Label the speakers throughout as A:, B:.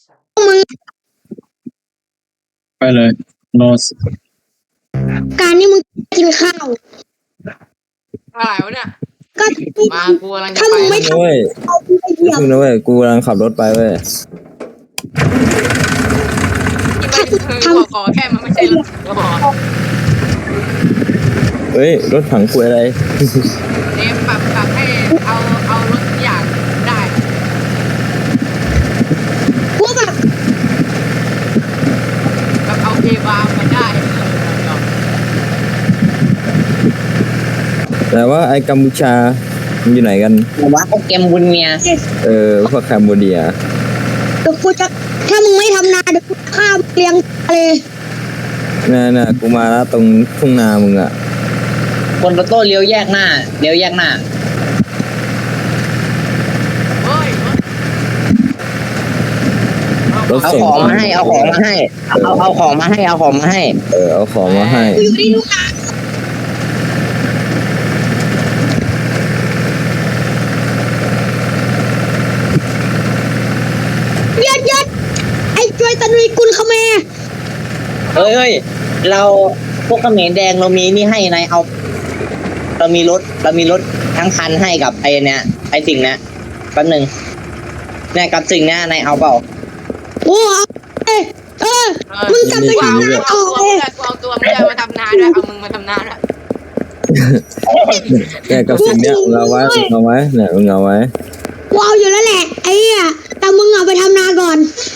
A: มึง
B: ไปเลยโนส
A: การที่มึงกินข้าว
C: อะไรวะเนี่ย
A: ก็
C: มากูกำลังจะ
A: ถ้า
C: ไป
A: มึงไม่
C: แล้ว
A: ทำ
D: เว้ย
A: เอาไปเหยียบ
D: พึ่งนะเว้ยกูกำลังขับรถไปเว้ย
C: ที่มันคือขอแค่มันไม่ใช่รถก็พอ
D: เฮ้ยรถถังคุยอะไร
C: เนมปรับให้เอารถทุกอย่างได้
A: กูแบบ
C: แบบเอาเอบามาได้เออ
D: แต่ว่าไอ้กัมพูชามันอยู่ไหนกัน
E: ว่าโปเกมบุญเมีย
D: พวกแคมโบเดีย
A: เดี๋ยวกูจะถ้ามึงไม่ทำนาเดี๋ยวกูฆ่ามึงเลี้ยงเลย
D: น่ะกูมาแล้วตรงทุ่งนามึงอ่ะ
E: คนโตโต้เลี้ยวแยกหน้าเลี้ยวแยกหน้า
C: เฮ้ย
D: รถ
E: เอา
D: ส่ง
E: ของมาให้เอาของมาให้เอาของมาให้เอาของมาให้
D: เอาของมาให้
A: กูอยู่ที่ลูกนายัดไอ้จวยตะนุยกุลเขมร
E: เฮ้ยเราพวกเขมรแดงเรามีนี่ให้นายเอาเรามีรถทั้งคันให้กับไอ้เนี่ยไอ้สิ่งเนี้ยแป๊บนึงเนี่ยกับสิ่งเนี้ยนายเอาเปล่า
A: โอ้มึงกลับไปทำนา
C: เอา
A: ต่อ
C: ตัว
A: เลย
C: เอาตัวมึงจะมาทำนาด้วยเอามึงมาทำนาด้วย
D: เนี่ยกับสิ่งเนี้ยมึงเอาไว้เนี่ยมึงเอาไว้
A: กูเอาอยู่แล้วแหละไอ้เหี้ยแต่มึงเอาไปทำนาก่อน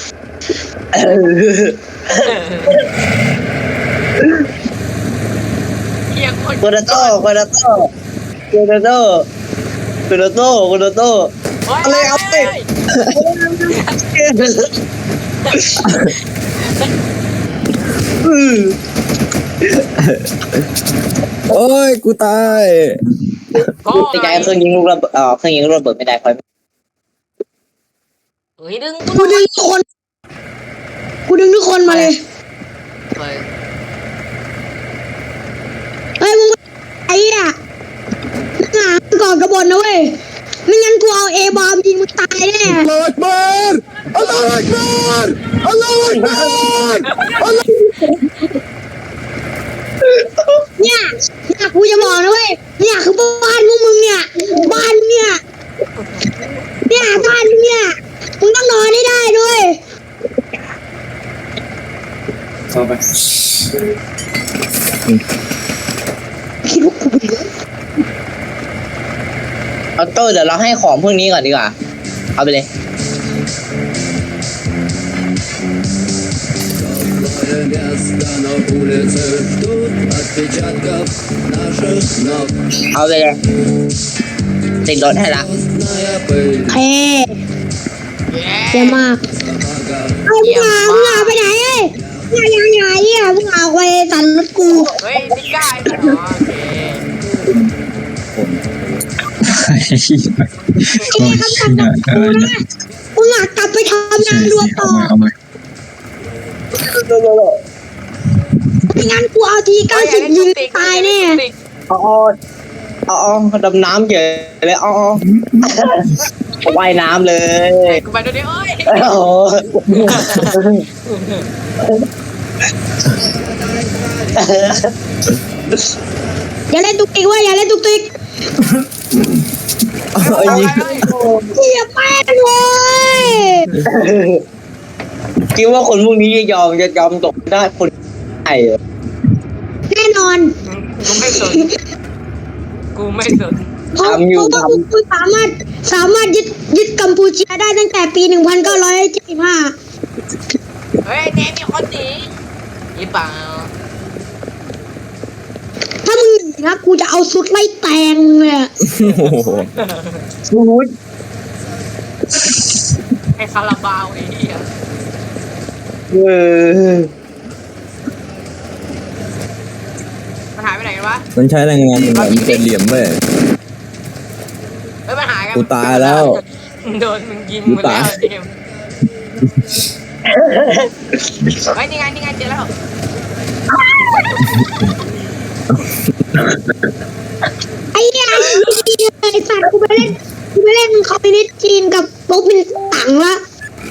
C: เฮียคน
E: โคโดโต้อะไรเอาไป
D: โอ้ยกูตาย
C: ก็
E: ไอ้ใจเครื่องยิงลูกระเบิดเครื่องยิงลูกระเบิดไม่ได้คอย
C: เฮ้ยดึง
A: กูดึงทุกคนมาเลย
C: เฮ้ย
A: เฮ้ยมึงไอ้อะหาก่อนกระบฏนะเว้ยไม่งั้นกูเอาเอบอมยิงมึงตายแน่
D: อัลลอฮฺอักบัรอัลลอฮฺอักบัรอัลลอฮฺอักบัร
A: เนี่ยกูจะบอกนะเว้ยเนี่ยคือบ้านพวกมึงเนี่ยบ้านเนี่ยบ้านเนี่ยมึงต้องนอนให้ได้ด้วย
B: เข้าไป
A: คิดว่ากูเป็น
E: เอาโต้เดี๋ยวเราให้ของพวกนี้ก่อนดีกว่าเอาไปเลยเอาไปเลยติดรถให้ละ
A: แพ้เยอะมากเอามึงเอาไปไหนเอ้ยอย่ามึงเอาไปสันรถกู
C: เฮ้ยนี่กล้าเหรอโอเค
A: ไอ้คำสั่งจากกูนะมึงอยากกลับไปทำงานรวมต่อ
B: เอามา
A: ไม่งั้นกูเอาที90ยิงตายแน่
E: อ๋อดำน้ำเฉยเลยอ๋อว่ายน้ำเลย
C: กูไปดูดิเอ้ย
E: โอ้
A: อย่าเล่นตุกติกเว้ยอย่าเล่นตุกติก
D: ยิง
A: เหี้ยแป้งเลย
E: คิดว่าคนพวกนี้จะยอมตกได้คนไทย
A: แน่นอน
C: กูไม่สนกูไม่สน
A: เพราะว่ากูสามารถยึดกัมพูชาได้ตั้งแต่ปี 1975
C: เฮ้ยเนมมีคนหนียี่เปล่า
A: ถ้ามึงหนีนะกูจะเอาสุดไล่แตงมึงเลยอะ
D: โอ้โห
C: ไอ้คาราบาวไอ้เหี้ย มันหายไปไหนกันวะ
D: มันใช้แรงงานอย่างมันเป็นเหลี่ยมเว้ย
C: เฮ้ยมันหายกัน
D: กูตายแล้ว
C: โดนมึงยิงหมดแล้วเนมเฮ้ยนี่ไงเจอแล้ว
A: ไอ้เหี้ยไอ้สัตว์กูไปเล่นคอมมิวนิสต์จีนกับโป๊กมินตั๋งละ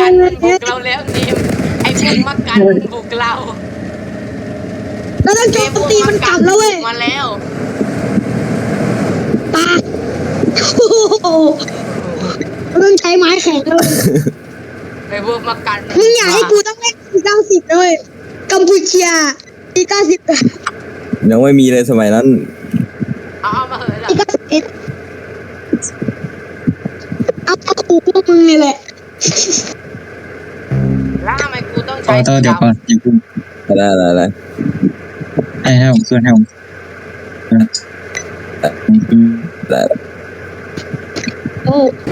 C: กันบุกเราแล้วเนมไอ้พวกมักกันบุกเรา
A: เราต้องโจมตีมันกลับแล้วเว้ย
C: มาแล้ว
A: ตาโอ้โหเราต้องใช้ไม้แข็งแล้วเว้ย
C: ไอ้พวกมักกัน
A: มึงอยากให้กูต้องเล่นปี90เลยกัมพูชาปี90
D: ยังไม่มีเลยสมัยนั้น
C: เอามาเหอะ
A: ปี91เอาขู่พวกมึงนี่แหละ
C: แล้วทำไมกูต้อง
B: ต่
C: ใช้
B: อเดี๋ยวก่อนอย่าเพิ่ง
D: อะไร
B: ให้ผมขึ้นให้ผม
D: อะไร
A: โอ้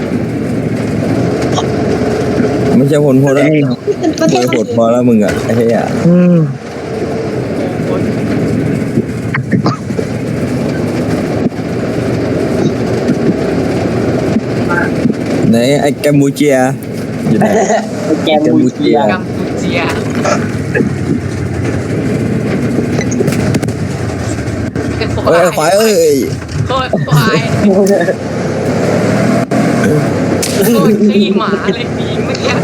D: ไม่ใช่ผลโหดแล้ว
A: เป็นประเทศ
D: โหดพอแล้วมึงอ่ะไอ้เหี้ยไหนไอ้แกมบูเจียอยู่ไหน
E: แกมูเจีย
C: กัมพูเชียเป็น
D: เอ้ยควายเอ้ย
C: โคตรควายโคตรขี้หมาเลยผีเมื่อกี้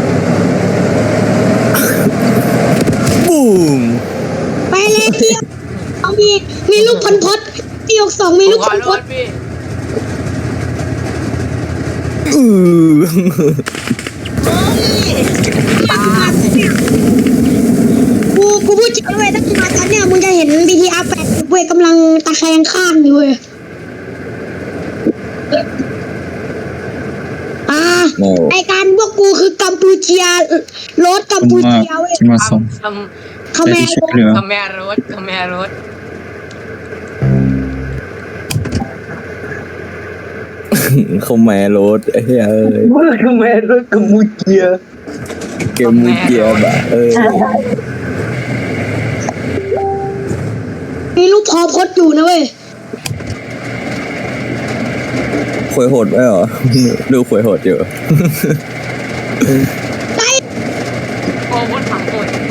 D: บูม
A: ไปเลยที่เอามีลูกพลพดที่62มี
C: ผ
A: ลู
C: ม
A: ก
C: ข
A: พ
C: อ
A: ล
C: โท
A: พด
C: ษพี่
A: กูพูดจริงเว้ยถ้ามึงมาตอนเนี้ยมึงจะเห็น BTR 8เว้ยกำลังตะแคงข้างอยู่เว้ยไอการพวกกูคือกัมพูเชียรถกัม
B: ผม
A: พู
B: ว่า
A: เชียเว้ย
B: ที่มาส่ง
C: คำ
A: เขา
B: ไป
A: แม่
B: ที่ช่วยเหลือ
C: คำแม่รถคำแม่รถ
D: เขาแม่รถเฮ้ย
E: คือแม่รถกัมพูเชีย
D: เกมมูเกียบะ
A: มีลูกพอพดอยู่นะเว้ย
D: ขวยโหดไหมเหรอ ดูขวยโหดอยู่
C: โอ้คนถังคน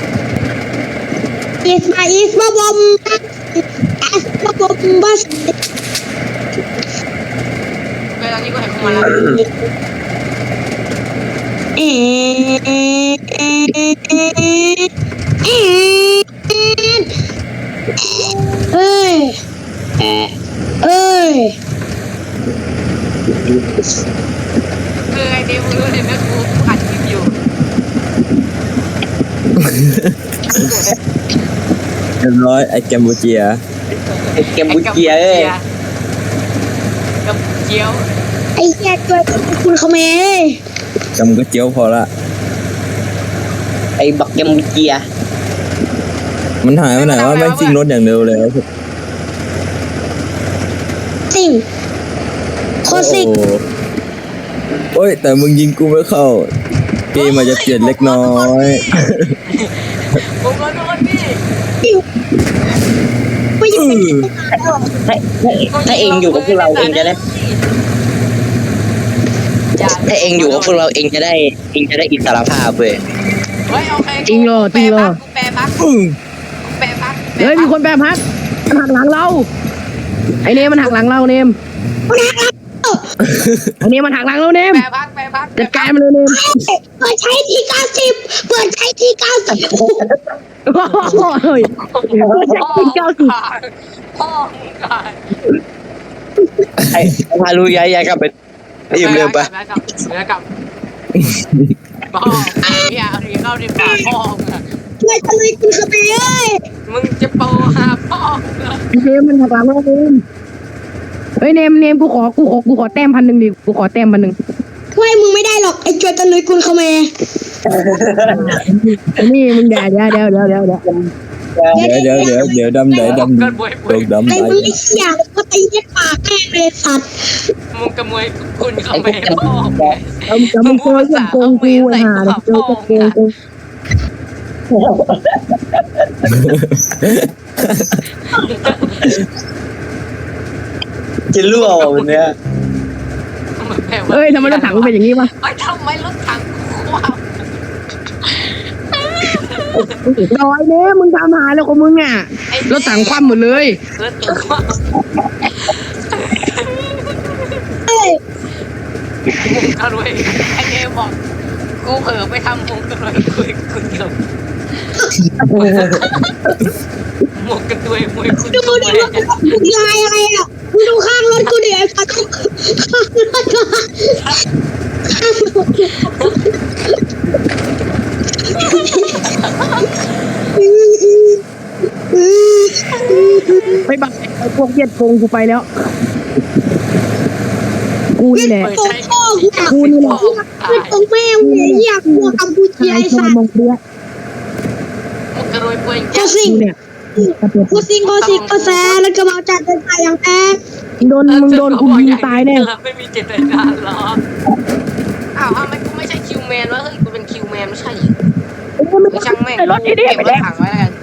A: อีสมาบอมมาบอมบัส
C: เวลานี้ก็เห็นเขามาแล้ว
A: เอ้ย
C: คือไอเดมรู้เลยแม่กูอัดคลิปอยู่
D: เรียบร้อยไอ้แกมบูเจีย
E: กัมพูเชียเอ้ย
C: กัมพูเจียว
A: ไอ้เหี้ยตัวคุณเขาแม่
D: จำก็เจียวพอละ
E: ไอ้บักกัมพูเชีย
D: มันหายไปไหนว่าแม่งซิ่งรถอย่างเร็วเลย
A: สิ่งโคสิก
D: โอ้ยแต่มึงยิงกูไม่เข้า เกมอาจจะเปลี่ยนเล็กน้อย
C: ผมก็โดนพี่
A: ไม่อยู่เป็น
E: ถ้าเองอยู่กับพวกเราเองจะได้ถ้าเองอยู่กับพวกเราเองจะได้อิสรภาพเว้ย
C: เฮ้ยโอเค
F: จริงเหรอจริงเหรอ
C: แปรพักแปรพัก
F: เฮ้ยมีคนแปรพักมันหักหลังเราไอเนมมันหักหลังเราเนมไอเนมมันหักหลังเราเนม
C: แปรพัก
F: จัดการมันเลยเนม
A: เปิดใช้ที่90เปิดใช้ที่90
F: โอ้ยเก้าสิบ
C: พ่อตาย
E: ไอ้พาลุยย้ายกลับไปยืมเร็วปะ
C: แล้วกลับพ่อเฮียเอาดีเข้าดีป่าพ่อ
A: ช่วยทะลุคุณเขาไปเอ้ย
C: มึงจะโปหาพ่อเหรอ
F: ไอเนมมันหักหลังเราเนมเฮ้ยเนมกูขอแต้ม1,000ดิกูขอแต้ม1,000
A: ช่วยมึงไม่ได้หรอกไอ้จวยตะลุยคุณเขาแม่
F: ไอ้นี่มึงเดี๋ยว
D: เดี๋ยวดำไหนดำ
C: เกิดบวย
D: โดนดำไหน
A: ไอ้มึงไอ้เหี้ยก็ตีเย็ดปากแม่งเลยสัตว์
C: มึงกระมวยคุณเขาไม่พ่อ
F: จะมึงเจอเรื่องโกงกูไอ้ห่าเดี๋ยวเจอโกงกู
E: จะรั่ววันเนี้ย
F: เอ้ยทำไมรถถังมันเป็นอย่างนี้วะ
C: ไอ้ทำไมรถถังว้าว
F: ดอยเนมมึงทำหาแล้วของมึงอ่ะรถถังคว่ำหมดเลย
C: รถถังว้าว
A: เอ้ย
C: มุงกระรวยไอ้เนมบอกกูเผลอไปทำมุงกระรวยคุยเกี่ยวมุงกระรวยมวยคุณ
A: ดูดิว่ากูยายอะไรอ่ะมึงดูข้างรถกูดิไอ้สัตว์ข้างรถกู
F: ไปบักไอ้พวกเวียดโกงกูไปแล้ว กูนี่แหละ
A: ตรงพ่อกูนี่แหละคือตรงแม่กูอยากกลัวกัมพูเชีย
F: ไอ้
A: ไอ้
F: ชอ
A: สั
F: น
A: ตว์
F: มองเบี้ย
C: มุงกระรวยป่วย
A: โคสิง
F: กูเนี่ยกระเปียก
A: โคสิงกาแฟแล้วก็มาจัดเป็นไปอย่างแท้
F: มึงโดนกูยิงตายแน่
C: ไม่มีเจตนาหรออ้าวทำไมกูไม่ใช่คิวแมนวะเฮ้ยกูเป็นคิวแมนไม่ใช่ไม่ช่างแม่ง
F: ไอ้รถนี่
C: เก็บรถถังไว้แล้วกัน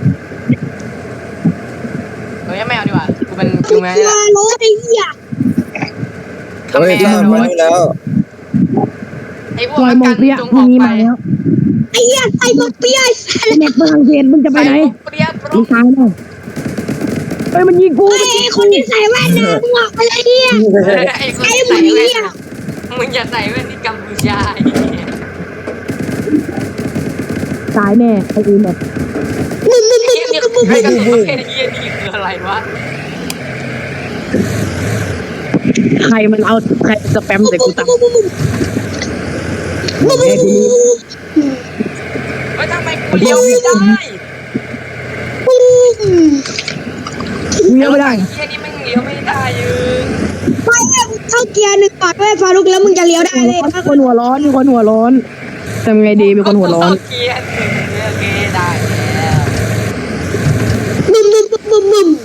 C: เฮ้ยไม่เอาดีกว่ากูเป็นคิวแมน
A: เชื่อรถไอ้เหี้ย
C: คำ
D: เฮ้ย
C: แมน
D: ตามมาแล้ว
C: ไอ้พวก
F: ซอยมองเบี้ย
C: จง
F: มึ
C: อง อก
F: นี้
C: ไป
F: มาแล้ว
A: ไอ้เหี้ยใส่หมวกเปียไอ้สัตว์
F: เน็ตฝรั่งเศสมึงจะไปไหน
C: เปรี้ยป
F: มึ
C: รุ
F: งตายแน่เฮ้ยมันยิงกู
A: ไอ้คนที่ใส่แว่นน่ะมึงออกไปเลยเหี้ย
C: ไอ้คน
A: ไอ้
C: ที่
A: มึ
C: ใส่
A: ง
C: แว่น
A: เหี้ย
C: น่ะมึงอย่าใส่แว่นที่กัมพูชา
F: ตายแน่ไอ้อีเน็ต
A: มึง
C: ไอ้เหี้ยนี่ไอ้กระสุนประเภทเหี้ยนี่คืออะไรวะ
F: ใครมันเอาใครสแปมใส่กูตัง
C: เฮ้ยทำไมกูเลี้ยวไม่ได้
F: เลี้ยวไม่ได้
C: เฮียนี่มันเลี้ยวไม่ได้ยืน
A: ไม่เข้าเกียร์หนึ่งก่อนด้วยฟารุกแล้วมึงจะเลี้ยวได้เลย
F: มีคนหัวร้อนมีคนหัวร้อนทำไงดีมีคนหัวร้อน
C: เกียร์หนึ่งโอเคได้แล้ว
A: บึมบึมบึมบึม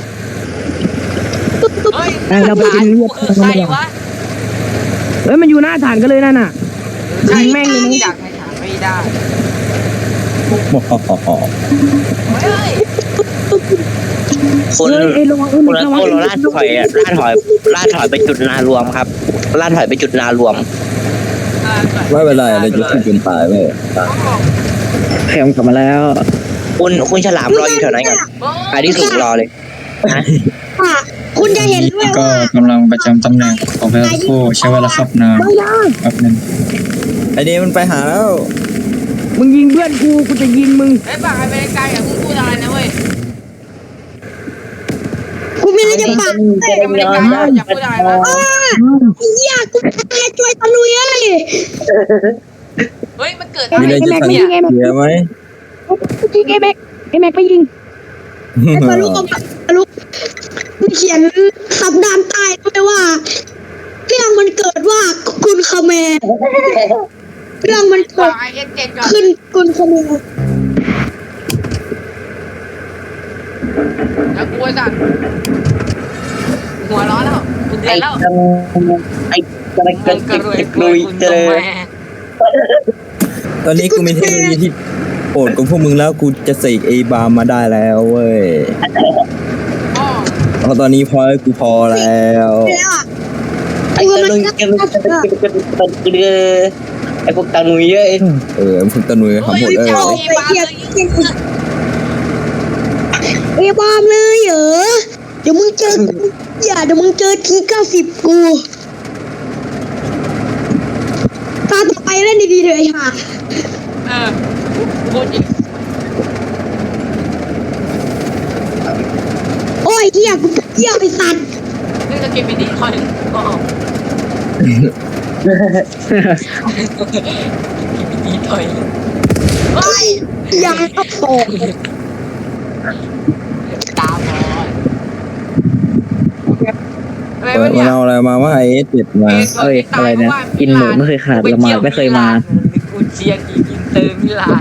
C: เฮ้ย
F: เราไปกิน
C: กูคือใครวะ
F: เฮ้ยมันอยู่หน้าฐานกันเลยนั่นน่ะ
C: ใช่
F: แม่งเลยนะ
C: อยากไปถามไม่ได้ เฮ้ย
E: คน
F: เฮ้ยไอ้ระวัง
E: คนละคนลาดถอยอะลาดถอยไปจุดนารวมครับลาดถอยไปจุดนารวม
D: ไม่เป็นไรเราจะขึ้นจนตายเว้ย
B: แคมกลับมาแล้ว
E: คุณฉลามรออยู่แถวนั้นก่อนไปที่สูงรอเลยนะ
A: คุณจะเห็นด้วย
B: ก็
A: ว่าก
B: ำลังประจำตำแหน่งขอไปโค้ใช้เวลาขับนานแป๊บนึง
D: ไอเดมันไปหาแล้ว
F: มึงยิงเพื่อนกูจะยิงมึง
C: ไอ้ปากอเมริกาอย่าเพิ่งพูดอะไรนะเว้ย
A: กูไม่ได้จะปาก
C: อเมริกาอย่าพูดอะไรนะ
A: อยากกูจะช่วยตะลุยเอ้ย
C: เฮ้ยมันเกิด
D: มีอะไรจะสั่ง
C: เนี่ย
D: เสียไหม
F: ยิงไอ้แม็กไปยิง
A: ฟารุกกับฟารุกมึงเขียนคำด้านใต้ด้วยว่าเรื่องมันเกิดว่าคุณคาเมรเรื่องมัน
C: บ
A: เกิ
C: อ
A: ด
C: กไอ้เอ็กเจ็ดก่อน
A: ขึ้นคุณคาเมร
C: แล้วกูไอ้สัตว์หัวร้อนแล้วกูเดือดแล้ว
E: ไอ้กระ
C: มึงกระรวยกรวยคุณตรงแม่
D: ตอนนี้กูมีเทคโนโลยีที่โอดกับพวกมึงแล้วกูจะเสกไอบาร์มาได้แล้วเว้ย
C: พ่อ
D: เพราะตอนนี้พอกูพอแล้ว
A: ไปแล้วอ่ะ
E: ไอ้กระลุยไอ้พวกตาหนุยเยอะ
D: พวกตะนุยทำหมดเลย
C: เจ้าอีบาเลยยิง
A: เอ้ยบอมเลยเหรอเดี๋ยวมึงเจอเดี๋ยวมึงเจอที90กูตาต่อไปเล่นดีๆเลยค่ะ
C: พูดจริง
A: โอ้ยเหี้ยกูเหี้ยไอ้สัตว์
C: นี่จะเก็บไปดีคอยก็ดีถอยเฮ้ย
A: ยังก็โต
C: ตาบอดอะไร
D: มั
C: วะเนี่ย
D: นเอาอะไรมาว่าไอเอสเจ็ดมา
B: เอ้ยอะไรเนี่ยกินหมูไม่เคยขาดละหมาดไม่เคยมา
C: กูเชียร์กินเตอร์มิลาน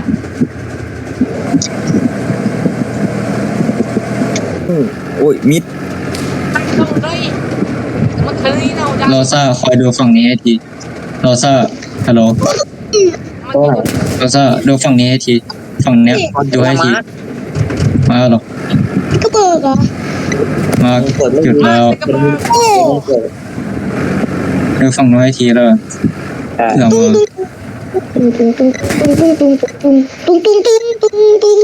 D: โอ้ยมิด
C: ต้องได้มันเคยเราดัง
B: โรซ่าคอยดูฝั่งนี้ให้ทีโรซ่าฮัลโหลโรซ่าดูฝั่งนี้ให้ทีฝั่งเนี้ยดูให้ทีมาหรอก
A: ก็เบิกเหรอ
B: มาหยุดแล้ว
A: โอ้
B: ดูฝั่งนู้นให้ทีแล้วเผื่อ
A: ตุ้ง
B: มา
A: ตุ้งตุ้งตุ้งตุ้งตุ้งตุ้งตุ้งตุ้งตุ้งตุ้ง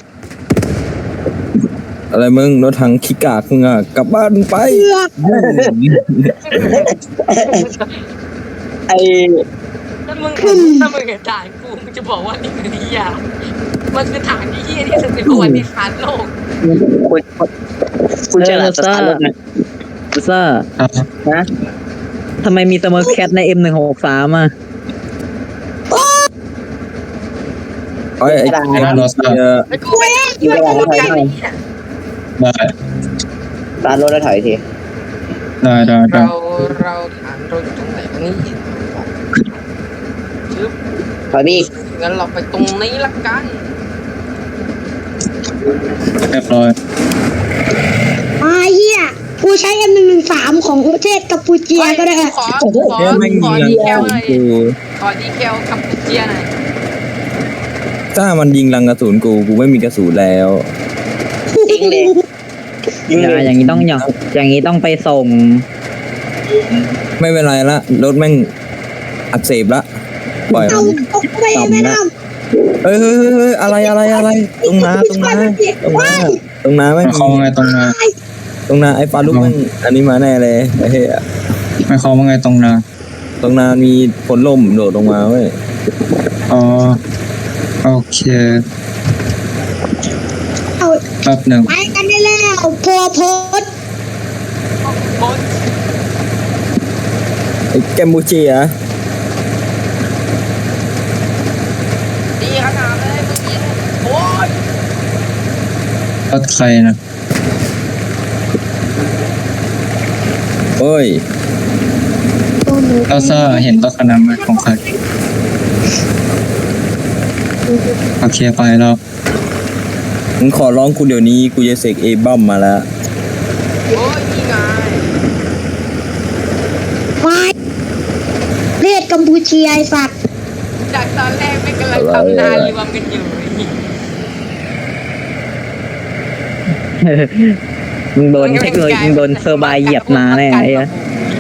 D: อะไรมึงรถถังขี้กากมึงอ่ะกลับบ้านไป
A: เอือก
E: ไอ้
C: ถ้ามึงถ่ายกูมึงจะบอกว่านี่คือนิยามมันคือฐานที่เฮี้ยที่สุดในประวัติศาสตร์โลก
E: คุณฉลามสตาร์ทรถนะ
B: ซ่า
E: นะ
B: ทำไมมีสมอร์แคทใน M163 อ่ะ
D: ไอ้เนี่ย
C: ไอ้กูไม่ได้ช่วยกูใจเนี่ย
B: ได้
E: สตาร์ทรถแล้วถอยที
B: ได้
C: เราฐานรถตรงไหนวะนี่ชึบ
E: ถอยพี่
C: งั้นเราไปตรงนี้ละกัน
B: เรียบร้อย
A: เหี้ยกูใช้ M113 ของประเทศกัมพูเชียก็ได้
C: ขอ
D: เนี่ยไม่มี
C: ดี
D: รัง
C: แคล
D: กระ
C: หน่อย
D: สุนกู
C: ขอดีแคลกับเจียหน่อย
D: ถ้ามันยิงรังกระสุนกูไม่มีกระสุนแล้ว
E: ยิงเลยยิงเลย
B: อย่างนี้ต้องไปส่ง
D: ไม่เป็นไรละรถแม่งอักเสบละปล่อย
A: เอา
D: มัน
A: เอาไปแม่น้
D: เฮ้ยอะไรตรงน้าไม่
B: ไม่เขาว่าไงตรงนา
D: ตรงน้าไอ้ฟาลุกแม่งอันนี้มาแน่เลยไอ้เหี้ย
B: ไม่เขาว่าไงตรงนา
D: ตรงน้ามีผลล่มโดดลงมาเว้ย
B: อ๋อโอเค
A: ำเอา
B: แป๊บหนึ่ง
A: ไปกันได้แล้วพอโพส
C: โคตร
D: แกมบูเชีย
C: ดีขนาดเลยมึงยิงโอ้ย
B: รถใครนะ
D: เฮ้ย
B: โรซ่าเห็นรถคันนั้นไหมของใครโอเคไปแล้ว
D: มึงขอร้องกูเดี๋ยวนี้กูจะเสกเอบัมมาแล้ว
C: โอ้ยนี่ไง
A: ควายเรียกกัมพูเชียไอสัตว์
C: จากตอนแรกไม่กำลังทำนานรวมกันอยู่
E: มึงโดนเทคโนโลยีมึงโดนเซอร์ไบเหยียบมาแน่ไอ้เหี้ย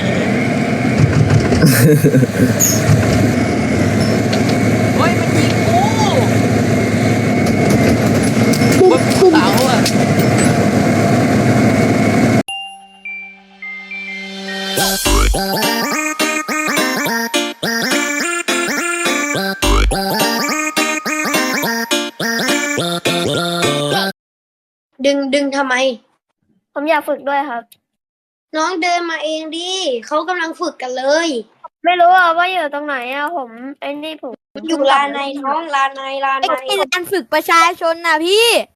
C: โอ้ยมันยิงกู
A: ปุ๊
C: บบ น
A: ปุ๊บ
C: เสาอ่ะ
G: ดึงทำไม
H: ผมอยากฝึกด้วยครับ
G: น้องเดินมาเองดิเขากำลังฝึกกันเลย
H: ไม่รู้อ่ะว่าอยู่ตรงไหนอ่ะผมไอ้นี่ผม
G: อยู่ลานในท้องลานใน
H: ไอ้ลานฝึกประชาชนน่ะพี่